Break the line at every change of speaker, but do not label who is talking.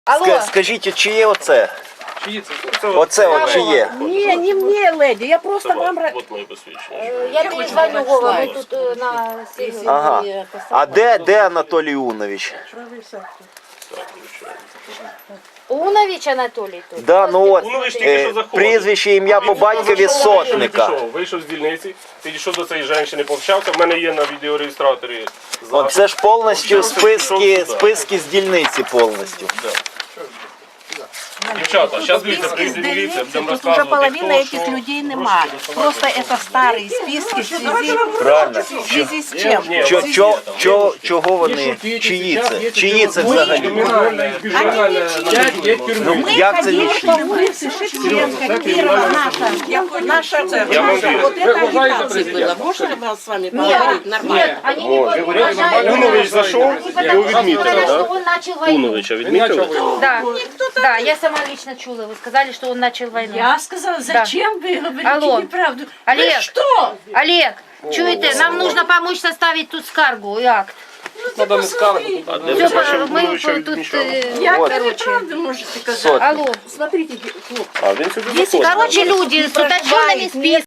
Алло.
Скажіть, чиє оце?
Чиї це?
Оце от чиє?
Не, не мне, леди, я просто вам...
От моє посвідчення.
Я тобі звоню, Вова, ми тут на сесії.
Ага. А де Анатолій Унович?
Унович Анатолій тут.
Да, ну от,
Унович тільки що заходив.
прізвище, ім'я по батькові Сотника.
Вийшов з дільниці, підійшов до цієї жінки, пообщався. В мене є на відеореєстраторі
От
запис.
це ж повністю
Пішов
списки з дільниці повністю.
Дівчата, зараз дивіться, прийде міліція, будемо
Тут уже
розказувати,
половина
хто,
этих
що.
людей нема. Просто это старые списки в связи,
Правильно.
в связи с чем?
Ні,
Чого вони? Чиї це? Чиї це взагалі? Ну, як це не
Ходили по улице Шевченко, Кирова, наша
Я вам вірю.
вот это агитация была. Можно я с вами поговорить нормально?
Они не уважают.
Унович зайшов, його відмітили,
что
так?
он начал войну.
Уновича відмітили?
Да, я сама лично чула. Вы сказали, что он начал войну.
Я сказала, зачем вы говорите
Алло.
неправду?
Олег.
Вы что?
Олег, чуєте, нам нужно помочь составить тут скаргу и акт.
Надо не скаргу. А де ви
Все,
бачили
мы
Уновича
тут...
відмічали?
Як ви
короче.
неправду можете казати?
Алло.
Смотрите,
А він сюди заходить.
Короче, люди с уточненными списками.